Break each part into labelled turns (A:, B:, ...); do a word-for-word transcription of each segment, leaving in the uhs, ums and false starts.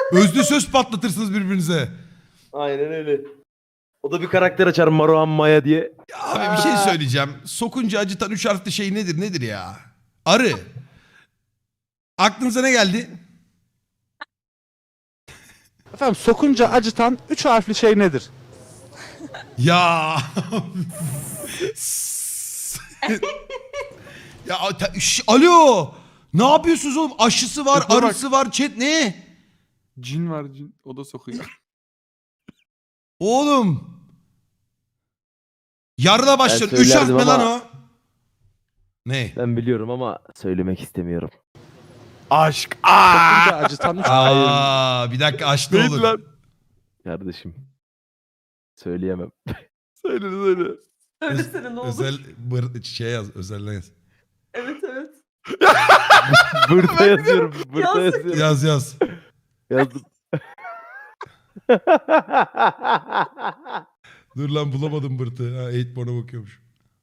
A: Özlü söz patlatırsınız birbirinize.
B: Aynen öyle. O da bir karakter açar Maruhan Maya diye.
A: Ya abi bir şey söyleyeceğim. Sokunca acıtan üç harfli şey nedir nedir ya? Arı. Aklınıza ne geldi?
C: Efendim sokunca acıtan üç harfli şey nedir?
A: Ya. ya ta- şş, alo. Ne yapıyorsunuz oğlum? Aşısı var,
D: Yapma bak.
A: arısı var, chat ne?
D: Cin var cin. O da sokuyor.
A: Oğlum. Yarına başlar.
B: Ben
A: Üç harf mi
B: söylerdim
A: lan
B: ama-
A: o? Ne?
B: Ben biliyorum ama söylemek istemiyorum.
D: Aşk.
C: Sokunca acıtan üç
A: Aa, bir dakika açtı
D: Neydi
A: olur.
D: lan?
B: Kardeşim. Söyleyemem.
D: Söyle söyle.
E: Söylesene ne olur.
A: Özel bır, şey yaz, özelden yaz.
E: Evet evet.
B: Burada yazıyorum. Burada
E: Yaz.
B: yazıyorum.
A: Yaz yaz.
B: Yazdım.
A: Dur lan bulamadım bırtı. Ha, eight porn'a bakıyormuş.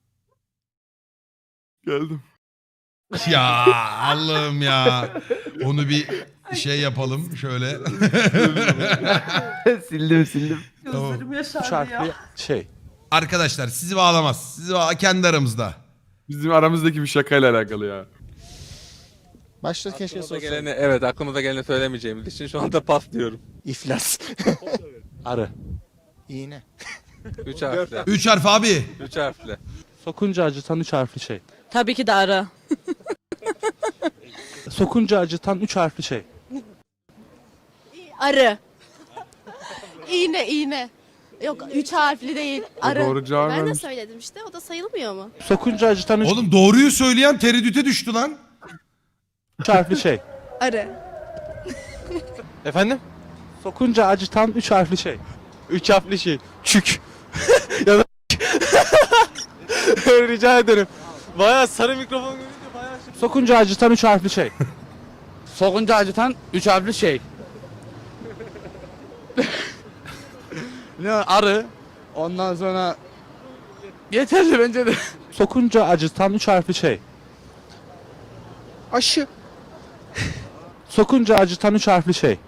D: Geldim.
A: Ya Allah'ım ya. Onu bir şey yapalım şöyle.
B: sildim sildim.
A: Tamam.
E: Gözlerim
C: üç
E: yaşardı
C: harfli
E: ya.
C: şey.
A: Arkadaşlar sizi bağlamaz. Sizi bağ kendi aramızda.
D: Bizim aramızdaki bir şakayla alakalı ya.
C: Başta keşke
F: Aklımıza
C: sorsaydın.
F: geleni, evet aklımıza geleni söylemeyeceğimiz için şu anda pas diyorum.
C: İflas. Arı. İğne.
F: Üç harfli.
A: Üç harf abi.
F: Üç harfli.
C: Sokunca acıtan üç harfli şey.
G: Tabii ki de arı.
C: Sokunca acıtan üç harfli şey.
G: Arı. İğne iğne. Yok üç harfli değil. Arı.
D: Doğru cevap
H: Ben de
D: vermiş.
H: söyledim işte. O da sayılmıyor mu?
C: Sokunca acıtan üç,
A: Oğlum doğruyu söyleyen tereddüte düştü lan.
C: üç harfli şey.
H: Arı.
C: Efendim? Sokunca acıtan üç harfli şey.
I: Üç harfli şey. Çük. ya da rica ederim. Bayağı sarı mikrofon görünce bayağı şey.
C: Sokunca acıtan üç harfli şey.
I: Sokunca acıtan üç harfli şey. ne arı. Ondan sonra yeterli bence de.
C: Sokunca acıtan üç harfli şey.
I: Aşı.
C: Sokunca acıtan üç harfli şey.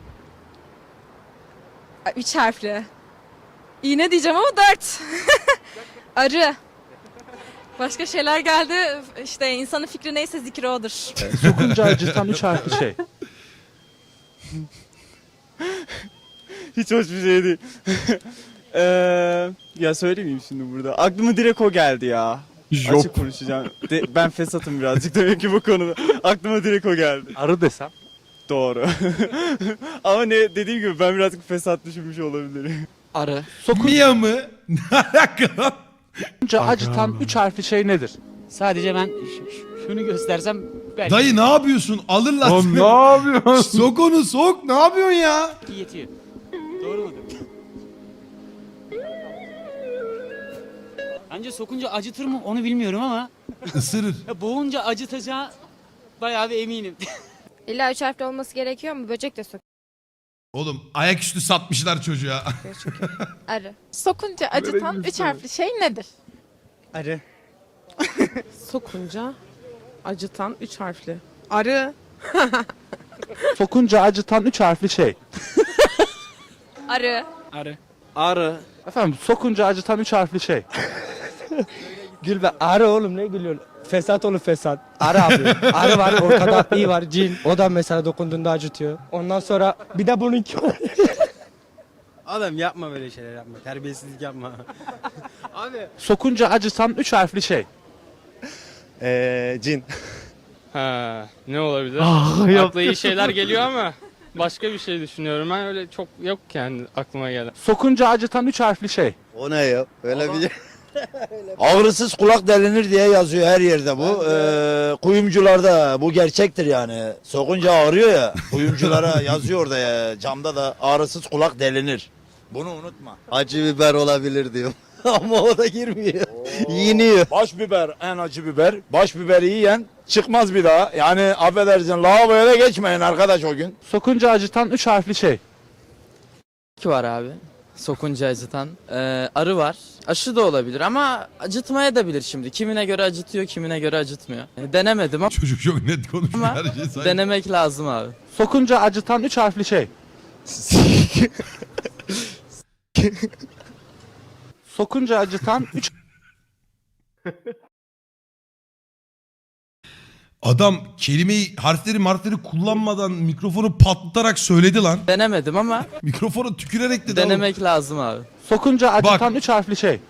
H: Üç harfli. İğne diyeceğim ama dört. Arı. Başka şeyler geldi. İşte insanın fikri neyse zikri odur.
C: Sokunca acıtan üç harfli şey.
I: Hiç hoş bir şey değil. Eee ya söylemeyeyim şimdi burada. Aklıma direkt o geldi ya. Açık
D: Jop.
I: konuşacağım. De- ben fesatım birazcık demek ki bu konuda. Aklıma direkt o geldi.
C: Arı desem.
I: Doğru. Ama ne dediğim gibi ben birazcık fesat düşünmüş olabilirim.
G: Arı.
A: Mia mı? Ne alaka lan?
C: Sokunca acıtan üç harfli şey nedir?
G: Sadece ben ş- ş- şunu göstersem belki
A: Dayı ne yapıyorsun? Alırlar
D: Lan
A: seni.
D: ne yapıyorsun?
A: Sok onu sok. Ne yapıyorsun ya?
G: yetiyor. Doğru mu? Bence sokunca acıtır mı onu bilmiyorum ama
A: Isırır.
G: ya boğunca acıtacağı bayağı bir eminim.
H: İlla üç harfli olması gerekiyor mu? Böcek de sokuyor
A: Oğlum ayaküstü satmışlar çocuğa.
H: çünkü. Arı.
E: Sokunca acıtan üç harfli şey nedir?
I: Arı.
E: Sokunca acıtan üç harfli. Arı.
C: Sokunca acıtan üç harfli şey.
H: Arı.
G: Arı.
I: Arı.
C: Efendim sokunca acıtan üç harfli şey.
I: Gülbe arı oğlum ne gülüyorsun? Fesat oğlum fesat. Arı abi. Arı var ortada iyi var cin. O da mesela dokunduğunda acıtıyor. Ondan sonra bir de bununki var.
J: Adam yapma böyle şeyler yapma. Terbiyesizlik yapma. Abi.
C: Sokunca acıtan üç harfli şey.
I: Eee cin.
K: Ha, ne olabilir?
I: Ah,
K: Akla iyi şeyler geliyor ama başka bir şey düşünüyorum. Ben öyle çok yok yani aklıma gelen.
C: Sokunca acıtan üç harfli şey.
J: O ne ya? Öyle bir Ağrısız kulak delinir diye yazıyor her yerde bu. Ee, kuyumcularda bu gerçektir yani. Sokunca ağrıyor ya. Kuyumculara yazıyor orada ya. Camda da ağrısız kulak delinir. Bunu unutma. Acı biber olabilir diyor. Ama o da girmiyor. Yeniyor.
L: Baş biber en acı biber. Baş biberi yiyen çıkmaz bir daha. Yani affedersin lavaboya da geçmeyin arkadaş o gün.
C: Sokunca acıtan üç harfli şey.
G: Ki var abi. Sokunca acıtan. Ee, arı var. Aşı da olabilir ama acıtmaya da bilir şimdi. Kimine göre acıtıyor, kimine göre acıtmıyor. Yani denemedim ama
A: Çocuk çok net konuşuyor
G: Ama
A: her şey sanki.
G: denemek lazım abi.
C: Sokunca acıtan üç harfli şey. Sokunca acıtan üç
A: Adam kelimeyi, harfleri marfleri kullanmadan mikrofonu patlatarak söyledi lan.
G: Denemedim ama
A: Mikrofonu tükürerek dedi. oğlum.
G: denemek lazım abi.
C: sokunca acıtan üç harfli şey.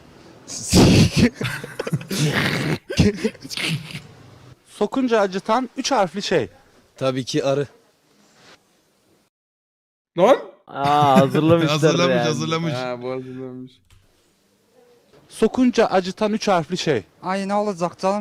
C: Sokunca acıtan üç harfli şey.
I: Tabii ki arı.
D: Lan?
B: Aa hazırlamışlar
A: Hazırlamış
B: yani.
A: hazırlamış.
D: Ha bu hazırlanmış.
C: Sokunca acıtan üç harfli şey.
I: Ay ne olacak canım?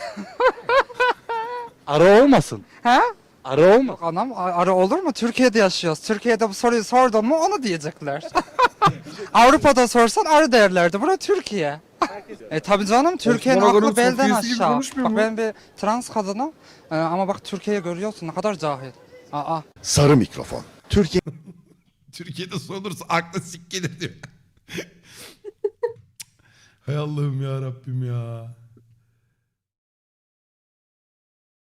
C: Arı olmasın.
H: He?
C: Arı olma.
I: Anam arı olur mu? Türkiye'de yaşıyoruz. Türkiye'de bu soruyu sordun mu onu diyecekler. Avrupa'da sorsan arı derlerdi. Bura Türkiye. e tabi canım Türkiye'nin
D: Osman
I: aklı
D: Aga'nın
I: belden
D: Sofya'sı gibi
I: aşağı.
D: konuşmuyor
I: Bak
D: mu?
I: ben bir trans kadınım. Ee, ama bak Türkiye'yi görüyorsun ne kadar cahil. Aa.
L: Sarı mikrofon. Türkiye
A: Türkiye'de sorulursa akla sik gelir diyor. Hay Allah'ım ya Rabbim ya.